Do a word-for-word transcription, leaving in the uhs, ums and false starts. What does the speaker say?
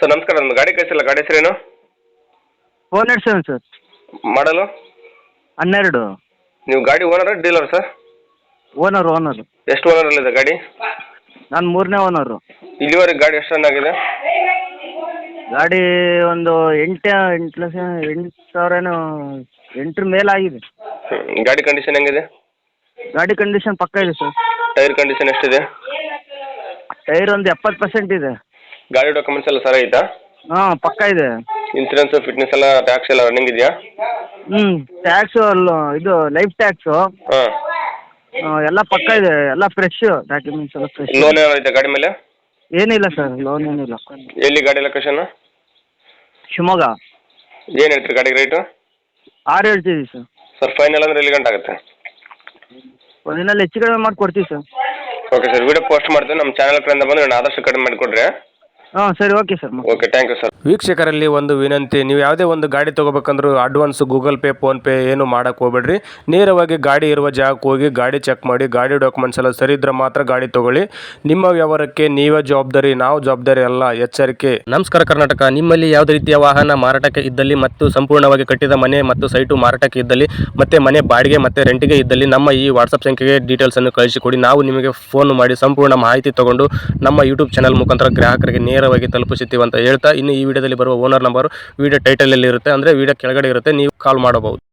Sir ನಮಸ್ಕಾರ, ಒಂದು ಗಾಡಿ ಕಳಿಸಿಲ್ಲ, ಗಾಡಿ ಹೆಸರೇನು? Four nought seven sir. ಮಾಡಲು? ಹನ್ನೆರಡು. ನೀವು ಗಾಡಿ owner dealer sir? Owner owner. ಎಷ್ಟು ಓನರಲ್ಲಿದೆ ಗಾಡಿ? ನಾನು ಮೂರನೇ ಓನರು. ಇಲ್ಲಿವರೆಗೆ ಗಾಡಿ ಎಷ್ಟು ರನ್ ಆಗಿದೆ? ಗಾಡಿ ಒಂದು ಎಂಟು ಎಂಟು ಲಕ್ಷ ಎಂಟು ಸಾವಿರ ಏನೋ ಎಂಟರ ಮೇಲಾಗಿದೆ. ಹ್ಮ್. ಗಾಡಿ ಕಂಡೀಷನ್ ಹೆಂಗಿದೆ? ಗಾಡಿ ಕಂಡೀಷನ್ ಪಕ್ಕ ಇದೆ ಸರ್. ಟೈರ್ ಕಂಡೀಷನ್ ಎಷ್ಟಿದೆ? ಟೈರ್ ಒಂದು ಎಪ್ಪತ್ತು ಪರ್ಸೆಂಟ್ ಇದೆ. ಗಾಡಿ ಡಾಕ್ಯುಮೆಂಟ್ಸ್ ಎಲ್ಲ ಸರಿ ಐತಾ? ಹಾಂ ಪಕ್ಕ ಇದೆ. ಇನ್ಸೂರೆನ್ಸ್ ಫಿಟ್ನೆಸ್ ಎಲ್ಲ ಟ್ಯಾಕ್ಸ್ ಎಲ್ಲ ರನ್ನಿಂಗ್ ಇದೆಯಾ? ಹ್ಞೂ ಟ್ಯಾಕ್ಸು ಇದು ಲೈಫ್ ಟ್ಯಾಕ್ಸು ಹಾಂ ಎಲ್ಲ ಪಕ್ಕ ಇದೆ, ಎಲ್ಲ ಫ್ರೆಶ್ ಡಾಕ್ಯುಮೆಂಟ್ಸ್ ಎಲ್ಲ ಫ್ರೆಶ್. ಲೋನ್ ಏನಾರು ಐತೆ ಗಾಡಿ ಮೇಲೆ? ಏನಿಲ್ಲ ಸರ್, ಲೋನ್ ಏನಿಲ್ಲ. ಎಲ್ಲಿ ಗಾಡಿ ಲೊಕೇಶನ್? ಶಿವಮೊಗ್ಗ. ಏನು ಹೇಳ್ತೀರಿ ಗಾಡಿಗೆ ರೇಟು? ಆರು ಹೇಳ್ತೀವಿ ಸರ್. ಸರ್ ಫೈನಲ್ ಅಂದ್ರೆ ಎಲ್ಲಿ ಗಂಟೆ ಆಗುತ್ತೆ? ಒಂದಿನಲ್ಲಿ ಹೆಚ್ಚು ಕಡಿಮೆ ಮಾಡಿ ಕೊಡ್ತೀವಿ sir. Okay sir, video post ಮಾಡ್ತೀವಿ. ನಮ್ಮ ಚಾನಲ್ ಕಡೆಯಿಂದ ಬಂದು ನಾನು ಆದಷ್ಟು ಕಡಿಮೆ ಮಾಡಿಕೊಡ್ರಿ. ಹಾಂ ಸರಿ, okay sir. Okay, thank you sir. ವೀಕ್ಷಕರಲ್ಲಿ ಒಂದು ವಿನಂತಿ, ನೀವು ಯಾವುದೇ ಒಂದು ಗಾಡಿ ತೊಗೋಬೇಕಂದ್ರೂ ಅಡ್ವಾನ್ಸ್ ಗೂಗಲ್ ಪೇ ಫೋನ್ಪೇ ಏನು ಮಾಡೋಕ್ಕೆ ಹೋಗ್ಬೇಡ್ರಿ. ನೇರವಾಗಿ ಗಾಡಿ ಇರುವ ಜಾಗಕ್ಕೆ ಹೋಗಿ ಗಾಡಿ ಚೆಕ್ ಮಾಡಿ, ಗಾಡಿ ಡಾಕ್ಯುಮೆಂಟ್ಸ್ ಎಲ್ಲ ಸರಿ ಇದ್ರೆ ಮಾತ್ರ ಗಾಡಿ ತೊಗೊಳ್ಳಿ. ನಿಮ್ಮ ವ್ಯವಹಾರಕ್ಕೆ ನೀವೇ ಜವಾಬ್ದಾರಿ, ನಾವು ಜವಾಬ್ದಾರಿ ಅಲ್ಲ, ಎಚ್ಚರಿಕೆ. ನಮಸ್ಕಾರ ಕರ್ನಾಟಕ. ನಿಮ್ಮಲ್ಲಿ ಯಾವುದೇ ರೀತಿಯ ವಾಹನ ಮಾರಾಟಕ್ಕೆ ಇದ್ದಲ್ಲಿ ಮತ್ತು ಸಂಪೂರ್ಣವಾಗಿ ಕಟ್ಟಿದ ಮನೆ ಮತ್ತು ಸೈಟು ಮಾರಾಟಕ್ಕೆ ಇದ್ದಲ್ಲಿ ಮತ್ತು ಮನೆ ಬಾಡಿಗೆ ಮತ್ತು ರೆಂಟಿಗೆ ಇದ್ದಲ್ಲಿ ನಮ್ಮ ಈ ವಾಟ್ಸಪ್ ಸಂಖ್ಯೆಗೆ ಡೀಟೇಲ್ಸನ್ನು ಕಳಿಸಿಕೊಡಿ. ನಾವು ನಿಮಗೆ ಫೋನ್ ಮಾಡಿ ಸಂಪೂರ್ಣ ಮಾಹಿತಿ ತಗೊಂಡು ನಮ್ಮ ಯೂಟ್ಯೂಬ್ ಚಾನಲ್ ಮುಖಾಂತರ ಗ್ರಾಹಕರಿಗೆ ನೇರವಾಗಿ ತಲುಪಿಸುತ್ತೀವಿ ಅಂತ ಹೇಳ್ತಾ, ಇನ್ನು ಈ ವಿಡಿಯೋದಲ್ಲಿ ಬರುವ ಓನರ್ ನಂಬರ್ ವಿಡಿಯೋ ಟೈಟಲಲ್ಲಿ ಇರುತ್ತೆ, ಅಂದರೆ ವಿಡಿಯೋ ಕೆಳಗಡೆ ಇರುತ್ತೆ, ನೀವು ಕಾಲ್ ಮಾಡಬಹುದು.